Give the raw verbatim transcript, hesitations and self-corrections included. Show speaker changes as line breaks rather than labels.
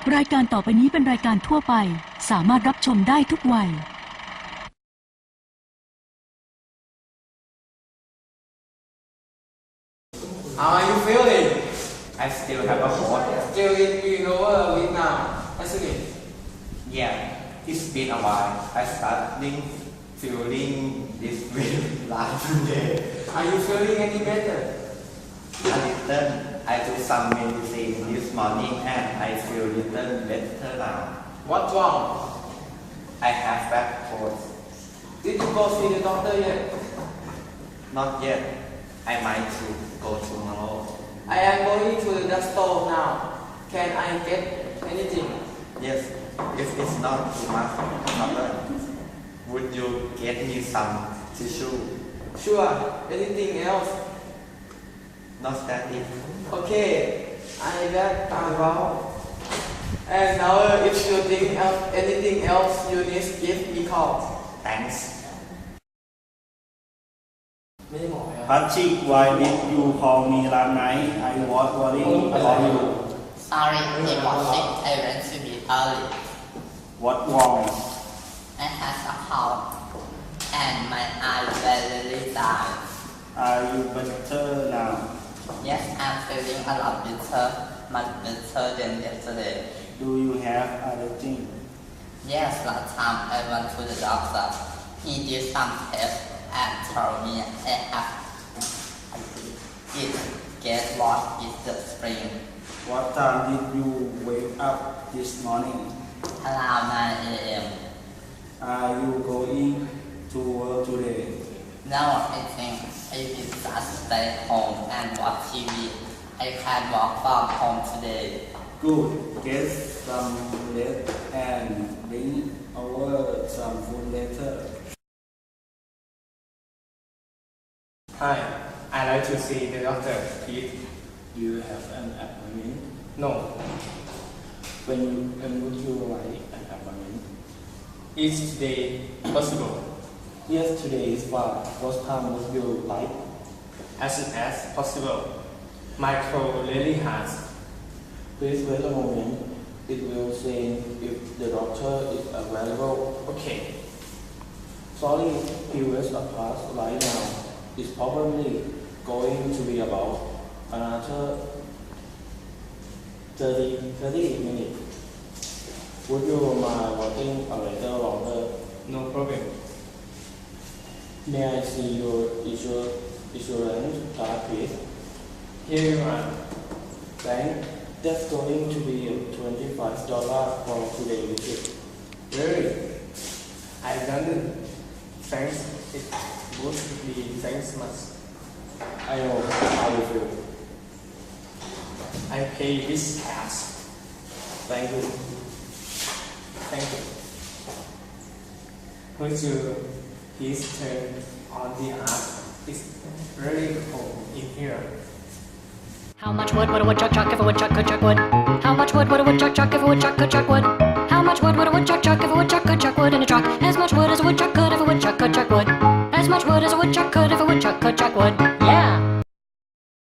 รายการต่อไปนี้เป็นรายการทั่วไปสามารถรับชมได้ทุกวัย
How are you feeling?
I still have a cold.
Still in Vietnam, Vietnam, isn't it?
Yeah, it's been a while. I starting feeling this way last day.
Are you feeling any better?
A little. I took some medicine this morning and I feel little better now.
What's wrong?
I have back cold.
Did you go see the doctor yet?
Not yet. I might to go tomorrow.
I am going to the store now. Can I get anything?
Yes, if it's not too much trouble, would you get me some tissue?
Sure. Anything else?
Not that it.
Okay. I got about. And now, if you think of anything else, you need to give me call.
Thanks.
ไม่ได้บอกครับ
Patrick, why did you call me last night? I was worrying about you.
Sorry, it was sick. I went to be early.
What wrong?
I had a cold, and my eyes were really dry.
Are you better now?
Yes, I'm feeling a lot better, much better than yesterday.
Do you have allergy?
Yes, last time I went to the doctor. He did some tests and told me I have it. Guess what is the spring?
What time did you wake up this morning?
Around nine a m
Are you going to work today?
Now I think I will just stay home and watch T V. I can work from home today.
Good. Get some rest and bring over some food later.
Hi. I like to see the doctor, please.
Do you have an appointment?
No.
When, when would you like an appointment?
Is today possible?
Yes, today is fine. What time would you like?
As soon as possible. My throat really hurts.
Please wait a moment. It will say if the doctor is available.
Okay.
Sorry, he was a class right now. It's probably going to be about another thirty, thirty minutes. Would you mind waiting a little longer?
No problem.
May I see your insur- insurance card, please?
Here you are.
Thank. That's going to be twenty-five dollars for today's visit.
Really? I done it. Thanks. It would be thanks much.
I know how you feel.
I pay this cash.
Thank you.
Thank you. Would you please turn on the heat? It's really cold in here.
How much wood would a woodchuck chuck if a woodchuck could chuck wood? How much wood would a woodchuck chuck if a woodchuck could chuck wood? How much wood would a woodchuck chuck if a woodchuck could chuck wood in a truck? As much wood as a woodchuck could if a woodchuck could chuck wood. As much wood as a woodchuck could if a woodchuck could chuck wood.